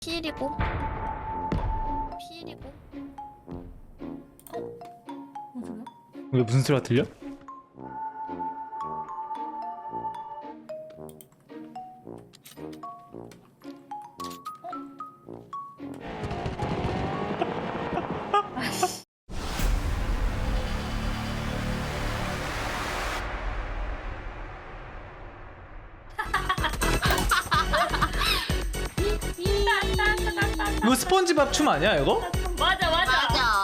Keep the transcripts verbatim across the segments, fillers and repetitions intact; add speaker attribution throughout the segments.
Speaker 1: 피일이고 피일이고 어? 무슨
Speaker 2: 왜 무슨 소리가 들려? 이거 스폰지밥 춤 아니야 이거?
Speaker 3: 맞아 맞아.
Speaker 1: 맞아.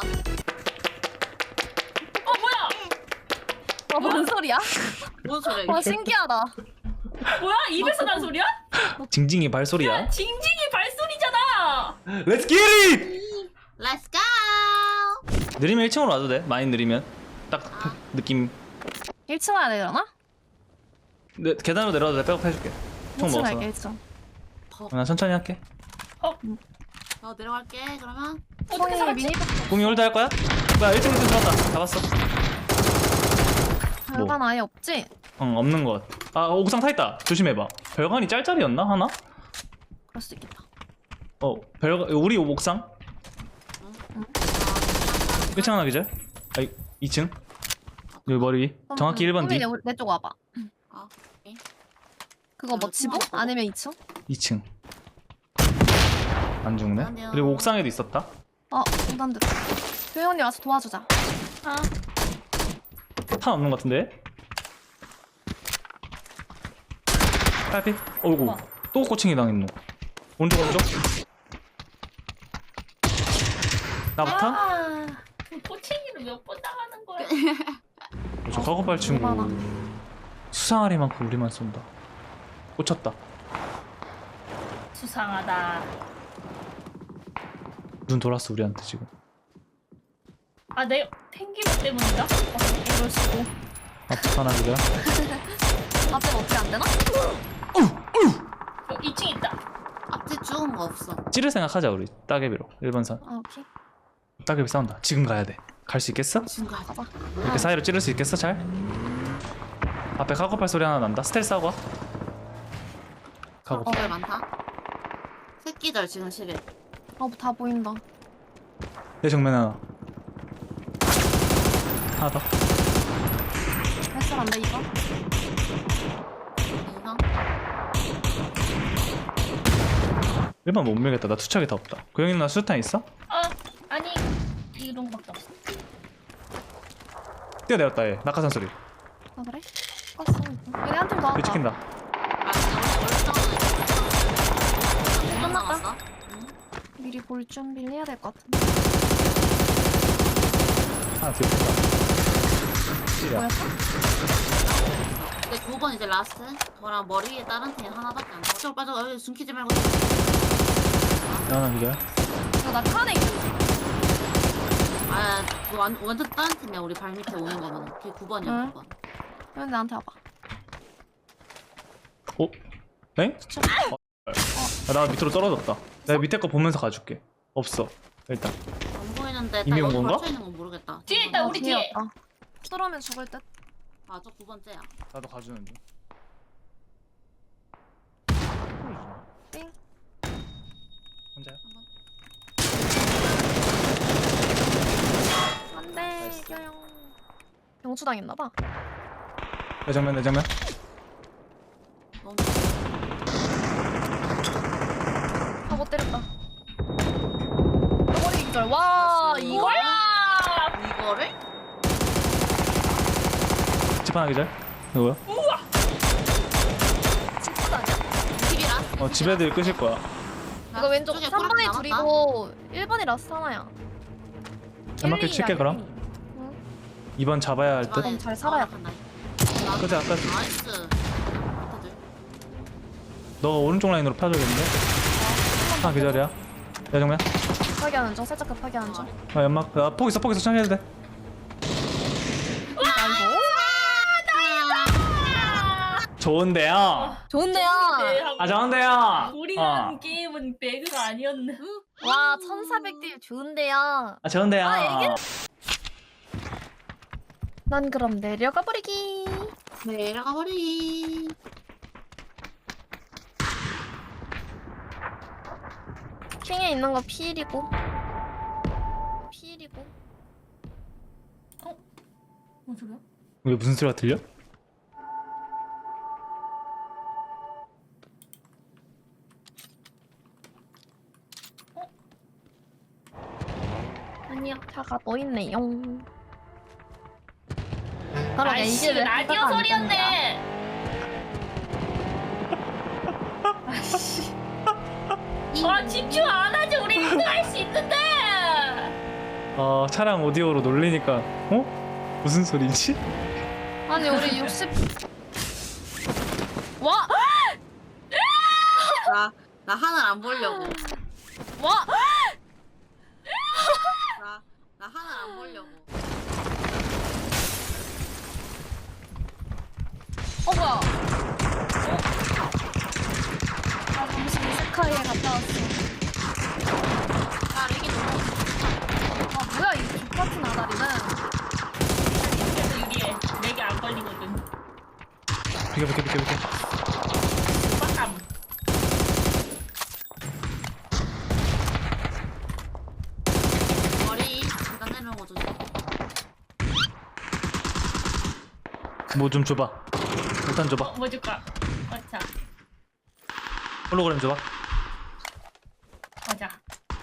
Speaker 3: 어 뭐야?
Speaker 1: 와, 뭔 소리야?
Speaker 3: 뭔 소리야?
Speaker 1: 와,
Speaker 3: 이게?
Speaker 1: 신기하다.
Speaker 3: 뭐야? 입에서 난 소리야?
Speaker 2: 징징이 발소리야.
Speaker 3: 징징이 발소리잖아.
Speaker 2: Let's get it!
Speaker 1: Let's go.
Speaker 2: 느리면 일 층으로 와도 돼. 많이 느리면 딱 느낌.
Speaker 1: 일 층 와야 되려나?
Speaker 2: 네, 계단으로 내려와도 돼. 백업 해줄게. 총
Speaker 1: 일 층
Speaker 2: 먹었어.
Speaker 1: 갈게, 일 층.
Speaker 2: 나 천천히 할게.
Speaker 4: 어 내려갈게 그러면.
Speaker 3: 어떻게
Speaker 1: 형이
Speaker 3: 살았지?
Speaker 1: 미니
Speaker 2: 공이 홀드 할 거야? 나 일 층 일 층 들어왔다. 잡았어.
Speaker 1: 별관 아예 없지?
Speaker 2: 응, 없는 것 같아. 아, 옥상 타 있다. 조심해봐. 별관이 짤짤이었나 하나?
Speaker 1: 그럴 수도 있겠다.
Speaker 2: 어, 별관 우리 옥상. 일 층 하나 기절. 아, 이 층. 여기 머리. 정확히 일 번 뒤.
Speaker 1: 내 쪽 와봐.
Speaker 4: 아 오케이.
Speaker 1: 그거 뭐 지붕? 아니면 이 층?
Speaker 2: 이 층. 안 죽네.
Speaker 4: 안녕.
Speaker 2: 그리고 옥상에도 있었다.
Speaker 1: 어, 공단들. 교영 언니 와서 도와주자.
Speaker 3: 아
Speaker 2: 탄 없는 것 같은데? 빨리. 어이구.
Speaker 3: 어.
Speaker 2: 또 꼬칭이 당했노. 오른쪽 오른쪽. 나부터?
Speaker 3: 아, 그 포칭이를 몇 번 당하는 거야?
Speaker 2: 저 카고팔 친구
Speaker 1: 얼마나?
Speaker 2: 수상하리만큼 우리만 쏜다. 꽂혔다.
Speaker 3: 수상하다.
Speaker 2: 눈 돌았어 우리한테 지금.
Speaker 3: 아, 내 탱기력 때문인가? 어,
Speaker 1: 이럴 수도.
Speaker 2: 앞에 하나 그래?
Speaker 1: 앞에 어떻게 안 되나?
Speaker 3: 어, 이 층 있다.
Speaker 4: 앞뒤 죽은 거 없어.
Speaker 2: 찌를 생각하자 우리. 따개비로. 일 번 산.
Speaker 1: 아, 오케이.
Speaker 2: 따개비 싸운다. 지금 가야 돼. 갈 수 있겠어?
Speaker 4: 지금 가자.
Speaker 1: 가자.
Speaker 2: 이렇게 사이로 찌를 수 있겠어 잘? 앞에 카고팔 소리 하나 난다. 스텔스 하고 와. 카고팔.
Speaker 4: 거기 많다. 새끼들 지금 시계.
Speaker 1: 어, 다 보인다.
Speaker 2: 내 정면 하나. 하나 더.
Speaker 1: 헬스 안 돼, 이거?
Speaker 4: 인상.
Speaker 2: 일 번 못 밀겠다. 나 투척이 다 없다. 고영이 누나 수류탄 있어?
Speaker 3: 아, 아니 이런 거밖에 없어.
Speaker 2: 뛰어내렸다 얘. 낙하산 소리.
Speaker 1: 아, 그래? 껐어. 얘네 한 팀 더
Speaker 2: 얘
Speaker 1: 왔다.
Speaker 2: 찍힌다.
Speaker 4: 아 진짜 원래
Speaker 1: 끝났다.
Speaker 4: 나왔어?
Speaker 1: 미리 볼 준비를 해야 될 것 같은데.
Speaker 2: 하나 뒤에 붙다. 찌려.
Speaker 1: 뭐였어?
Speaker 4: 내 구 번 이제 라스트. 저랑 머리 위에 다른 팀 하나밖에 안 돼. 저쪽 빠져. 여기 숨기지 말고.
Speaker 2: 하나 기절.
Speaker 1: 이거 나 칸에 있지?
Speaker 4: 아 그거 완, 완전 다른 팀이야. 우리 발 밑에 오는 거는. 걔 구 번이야
Speaker 1: 응.
Speaker 4: 구 번.
Speaker 1: 여기 나한테 와봐.
Speaker 2: 어? 엥? 아, 나 밑으로 떨어졌다. 내가 밑에 거 보면서 가줄게. 없어. 일단.
Speaker 4: 안 보이는데 딱
Speaker 2: 이미 온
Speaker 4: 여기
Speaker 2: 건가?
Speaker 4: 걸쳐 있는 건 모르겠다.
Speaker 3: 뒤에 있다,
Speaker 1: 어,
Speaker 3: 우리 뒤에.
Speaker 1: 뒤에 왔다. 뚫으면 죽을 듯.
Speaker 4: 아저 구 번째야.
Speaker 2: 나도 가주는 중.
Speaker 1: 띵.
Speaker 2: 혼자야?
Speaker 1: 안 돼,
Speaker 2: 나이스.
Speaker 1: 교영. 병추당했나봐.
Speaker 2: 내 정면 내 정면.
Speaker 4: 너무
Speaker 1: 아, 못 때렸다. 머리 기절. 와,
Speaker 4: 나이스.
Speaker 1: 이걸?
Speaker 4: 이거를?
Speaker 2: 집 하나 기절. 누구야?
Speaker 1: 진짜 아니야?
Speaker 4: 킬이라?
Speaker 2: 어 집 애들 끄실 거야.
Speaker 1: 이거 왼쪽
Speaker 4: 쪽에
Speaker 1: 삼 번이
Speaker 4: 보라색 남았다.
Speaker 1: 둘이고 일 번이 라스트 하나야.
Speaker 2: 연막길
Speaker 1: 일,
Speaker 2: 칠게
Speaker 1: 이야,
Speaker 2: 그럼.
Speaker 1: 일, 이. 응.
Speaker 2: 이 번 잡아야 할 듯.
Speaker 4: 집안에
Speaker 1: 잘 살아야 돼.
Speaker 4: 나-
Speaker 2: 그치, 아까-
Speaker 4: 나이스. 밑에들.
Speaker 2: 너가 오른쪽 라인으로 펴줘야겠는데? 하나 기절이야. 내 정면.
Speaker 1: 급하게 하는 중, 살짝 급하게 하는 중.
Speaker 2: 아 연막. 아폭 있어 폭 있어 천천히 해도 돼. 좋은데요.
Speaker 1: 좋은데요.
Speaker 3: 네, 하고.
Speaker 2: 아 좋은데요.
Speaker 3: 우리가
Speaker 2: 어.
Speaker 3: 한 게임은 배그가 아니었네.
Speaker 1: 와, 천사백 딜 좋은데요.
Speaker 2: 아 좋은데요.
Speaker 1: 아, 이게- 난 그럼 내려가 버리기.
Speaker 4: 내려가 버리.
Speaker 1: 핑에 있는 거 피일이고. 피일이고.
Speaker 3: 뭔 소리야?
Speaker 2: 왜 무슨 소리가 들려?
Speaker 3: 아니야.
Speaker 1: 차가 또 있네요. 바로
Speaker 3: 아이씨 라디오 소리였네. 아씨. 아 집중 안 하지. 우리 일 등 할 수 있는데.
Speaker 2: 어 차량 오디오로 놀리니까 어? 무슨 소리지?
Speaker 1: 아니 우리 육십. 와!
Speaker 4: 나, 나 하늘 안 보려고.
Speaker 1: 와!
Speaker 4: 나, 나 하늘 안 보려고.
Speaker 1: 어 뭐야? 어? 나 잠시 스카이에 갔다 왔어.
Speaker 4: 야, 렉이 너무.
Speaker 1: 아 뭐야 이 X같은 아다리는.
Speaker 3: 그래서 유리해. 내게 안 걸리거든.
Speaker 2: 비켜 비켜 비켜 비켜.
Speaker 3: 빡감.
Speaker 4: 머리 계단 내려오는 거 조심.
Speaker 2: 뭐 좀 줘봐. 일단 줘봐.
Speaker 3: 뭐 줄까? 맞자.
Speaker 2: 홀로그램 줘봐.
Speaker 3: 맞아.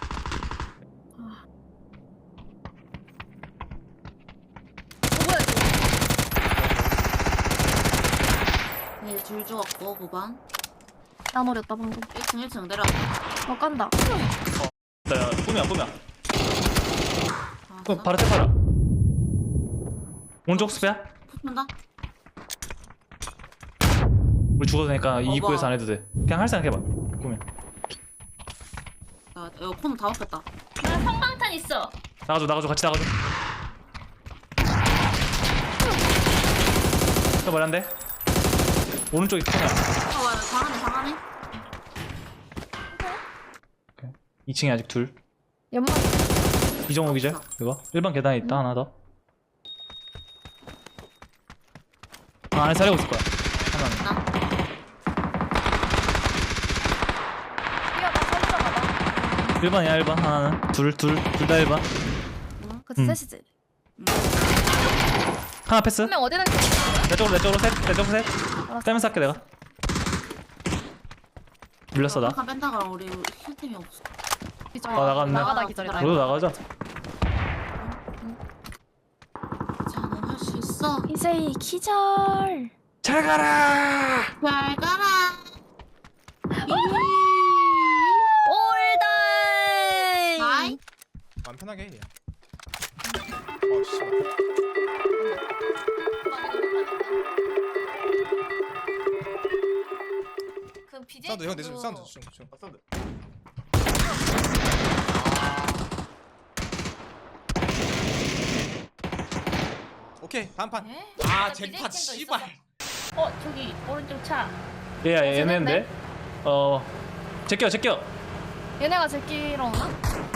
Speaker 1: 어 뭐야 이거?
Speaker 4: 네, 줄 주었고 구 번.
Speaker 1: 나 노렸다 방금.
Speaker 4: 일 층 일 층 내려왔다.
Speaker 1: 어 깐다.
Speaker 2: 야 꿈이야 꿈이야.
Speaker 4: 아,
Speaker 2: 그 바로 탭하라. 오른쪽 스페야?
Speaker 4: 붙는다.
Speaker 2: 우리 죽어도 되니까 이
Speaker 4: 어머.
Speaker 2: 입구에서 안 해도 돼. 그냥 할 생각 해봐. 꿈이야.
Speaker 4: 나 이거 코는 다 먹겠다.
Speaker 3: 나 성방탄 있어.
Speaker 2: 나가줘 나가줘 같이 나가줘. 또 머리 한 대. 오른쪽이 턱이야.
Speaker 4: 어, 와, 장안에 장안에.
Speaker 2: 이 층에 아직 둘.
Speaker 1: 연막.
Speaker 2: 이정호 기절. 이거 일반 계단에 있다 하나 더. 아, 안에 사려고 있을 거야. 하나는.
Speaker 4: 나.
Speaker 1: 뛰어나 살짝 가봐.
Speaker 2: 일 번이야 일 번 하나는. 둘 둘 둘 다 일 번.
Speaker 1: 그치
Speaker 2: 음.
Speaker 1: 셋이지.
Speaker 2: 하나 패스.
Speaker 1: 한 명 어디다 켰어?
Speaker 2: 내 쪽으로 내 쪽으로 셋. 내 쪽으로 셋.
Speaker 1: 알았어.
Speaker 2: 떼면서 할게 내가. 밀렸어 나.
Speaker 4: 한 뺀다 그럼 우리 힐템이 없어.
Speaker 1: 기절.
Speaker 2: 아, 나갔네.
Speaker 1: 나가다 기절이다.
Speaker 2: 너도 나가자.
Speaker 4: 자, 넌 할 수 있어.
Speaker 1: 이세이 기절.
Speaker 2: 잘 가라.
Speaker 4: 잘 가라.
Speaker 1: 올다이.
Speaker 4: 나이.
Speaker 5: 마음 편하게 해. 어 씨.
Speaker 1: 그 비제.
Speaker 5: 사운드 형 내줘 사운드 좀 좀. 사운드. 오케이 다음 판.
Speaker 1: 에?
Speaker 5: 아
Speaker 1: 비제
Speaker 5: 잭팟
Speaker 1: 팀도
Speaker 5: 씨발.
Speaker 1: 있었어.
Speaker 3: 어 저기 오른쪽 차.
Speaker 2: 얘야
Speaker 1: 어,
Speaker 2: 얘네인데. 어. 제껴 제껴.
Speaker 1: 얘네가 제끼러 오나?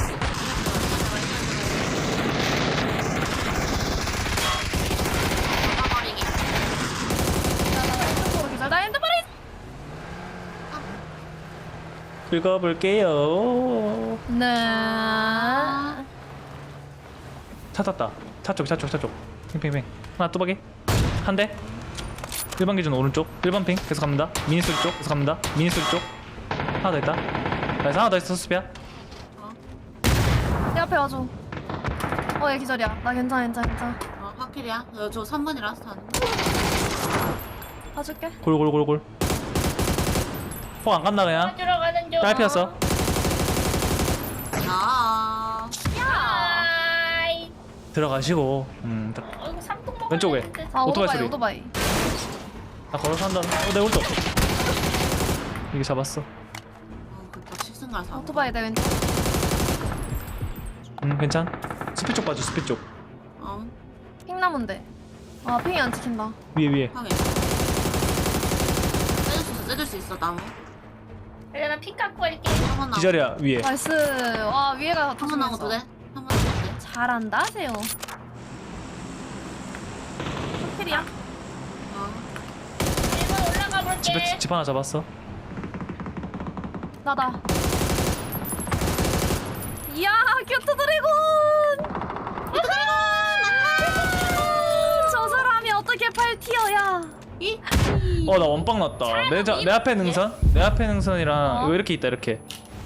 Speaker 4: 잡아버리기.
Speaker 1: 나나 핸드폰으로 기절. 나 핸드폰에.
Speaker 2: 긁어볼게요.
Speaker 1: 네.
Speaker 2: 차 탔다. 차 쪽, 차 쪽, 차 쪽. 핑핑핑. 하나 뚜벅이. 한 대. 일 번 기준 오른쪽. 일 번 핑. 계속 갑니다. 미니 소리 쪽. 계속 갑니다. 미니 소리 쪽. 하나 더 있다. 나이스 하나 더 있어 수비야.
Speaker 1: 내 앞에 와줘. 어, 얘 기절이야. 나 괜찮아, 괜찮아, 괜찮아.
Speaker 4: 어, 확실이야. 어, 저 삼 번이 라스트 하는 거.
Speaker 1: 봐줄게.
Speaker 2: 골골골골. 폭안 간다 그냥.
Speaker 3: 들어가는 중.
Speaker 2: 짧혔어.
Speaker 4: 야.
Speaker 3: 아이.
Speaker 2: 들어가시고. 음. 딱.
Speaker 3: 어 이거 삼통 먹어야
Speaker 2: 왼쪽에.
Speaker 3: 되는데.
Speaker 1: 아,
Speaker 2: 오토바이
Speaker 1: 오토바이,
Speaker 2: 소리.
Speaker 1: 오토바이.
Speaker 2: 나 걸어서 한다. 어, 내 오른쪽. 이게 잡았어.
Speaker 4: 어, 그니까 십승갈 사.
Speaker 1: 오토바이 내 왼쪽.
Speaker 2: 음, 괜찮. 스피 쪽 봐줘. 스피 쪽.
Speaker 4: 어,
Speaker 1: 핑나무인데. 아, 핑이 안 찍힌다.
Speaker 2: 위에 위에.
Speaker 4: 확인. 떼줄 수 있어, 떼줄 수 있어, 나무.
Speaker 3: 그래 나피 깎고 할게.
Speaker 4: 한번 나무.
Speaker 2: 기절이야 위에.
Speaker 1: 나이스. 와, 위에가
Speaker 4: 한번 나무도 돼? 한번 나무도 돼?
Speaker 1: 잘한다, 세요. 쇼필이야.
Speaker 4: 어.
Speaker 3: 일 번 올라가 볼게.
Speaker 2: 집에 집 하나 잡았어.
Speaker 1: 나다.
Speaker 2: 어 나 원빵 났다. 내, 자, 내 앞에 능선? 내 앞에 능선이랑
Speaker 1: 어?
Speaker 2: 이거 이렇게 있다 이렇게.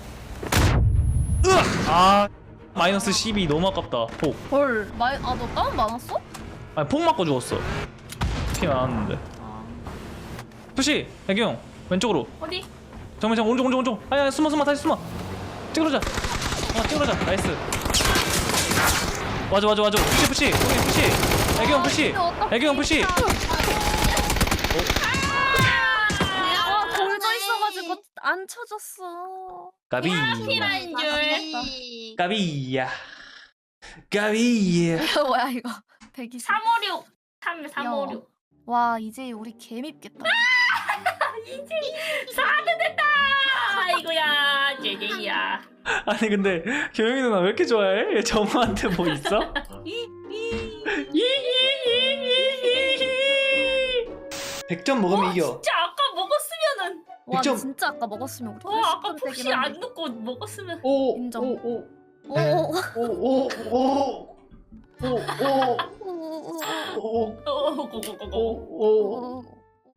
Speaker 2: 으악! 아 마이너스 십이 너무 아깝다. 폭.
Speaker 1: 헐 마이 아너 다운 많았어?
Speaker 2: 아니 폭 맞고 죽었어. 피 많았는데. 푸시 애경 왼쪽으로.
Speaker 3: 어디?
Speaker 2: 정면 정면 오른쪽 오른쪽 오른쪽. 아야 숨어 숨어 다시 숨어. 찌그러자. 아 찌그러자. 나이스. 와줘 와줘 와줘. 푸시 푸시. 거기 푸시. 애경 푸시.
Speaker 1: 근데 어떡해.
Speaker 2: 애경 푸시.
Speaker 1: 아 돌져 있어가지고 안 쳐졌어.
Speaker 2: 까비.
Speaker 3: 피라인 줄.
Speaker 2: 까비야. 까비야.
Speaker 1: 이거 뭐야 이거? 대기.
Speaker 3: 삼오육. 삼 삼오육.
Speaker 1: 와 이제 우리 개밉겠다.
Speaker 3: 사드 됐다. 아이고야 제제야.
Speaker 2: 아니 근데 교영이 누나 왜 이렇게 좋아해? 얘 정우한테 뭐 있어? 백 점 먹으면 이겨.
Speaker 3: 진짜 아까 먹었으면은.
Speaker 1: 와
Speaker 2: 점.
Speaker 1: 진짜 아까 먹었으면 우리
Speaker 3: 어 아까
Speaker 1: 팔십 점
Speaker 3: 폭시
Speaker 1: 되긴
Speaker 3: 안
Speaker 1: 한데.
Speaker 3: 넣고 먹었으면.
Speaker 2: 오,
Speaker 1: 인정.
Speaker 2: 오, 오,
Speaker 1: 오.
Speaker 2: 오, 오, 오, 오, 오,
Speaker 1: 오.
Speaker 2: 오,
Speaker 3: 어 고고고고.
Speaker 2: 오, 오.
Speaker 1: 오.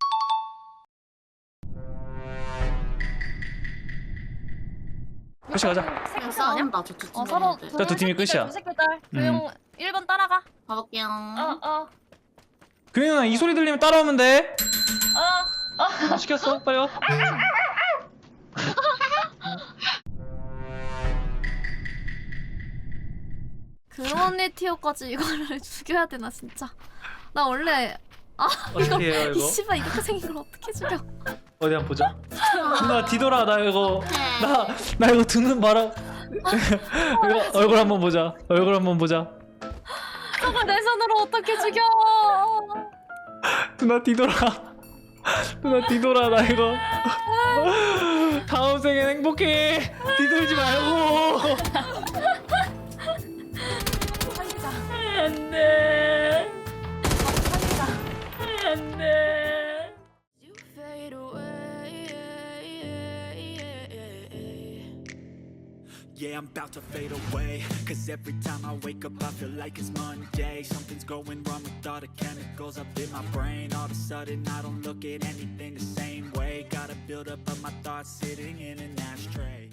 Speaker 2: 끝이 가자.
Speaker 4: 그냥
Speaker 1: 아니야?
Speaker 4: 싸운다 저쪽
Speaker 1: 어 서로
Speaker 4: 팀들.
Speaker 2: 자, 두 팀이 끝이야.
Speaker 1: 두 새끼 딸. 조용 일 번 따라가.
Speaker 4: 가볼게요.
Speaker 3: 어 어.
Speaker 2: 교영이 누나 이 소리 들리면 따라오면 돼.
Speaker 3: 어.
Speaker 2: 아, 시켰어. 빨리 와.
Speaker 1: 그런 티어까지 이거를 죽여야 되나 진짜. 나 원래
Speaker 2: 어떻게 해요
Speaker 1: 이
Speaker 2: 이거?
Speaker 1: 씨발 이렇게 생긴 걸 어떻게 죽여?
Speaker 2: 어디 한번 보자. 누나 뒤돌아. 나 이거 나 나 이거 듣는 바람. 이거 얼굴 한번 보자. 얼굴 한번 보자.
Speaker 1: 저걸 내 손으로 어떻게 죽여?
Speaker 2: 누나 뒤돌아. 누나 뒤돌아. 나 이거 다음 생엔 행복해. 뒤돌지 말고.
Speaker 1: 살리자.
Speaker 3: 안돼.
Speaker 1: 살리자.
Speaker 3: 안돼.
Speaker 6: Yeah, I'm about to fade away. Cause every time I wake up, I feel like it's Monday. Something's going wrong with all the chemicals up in my brain. All of a sudden, I don't look at anything the same way. Gotta build up of my thoughts sitting in an ashtray.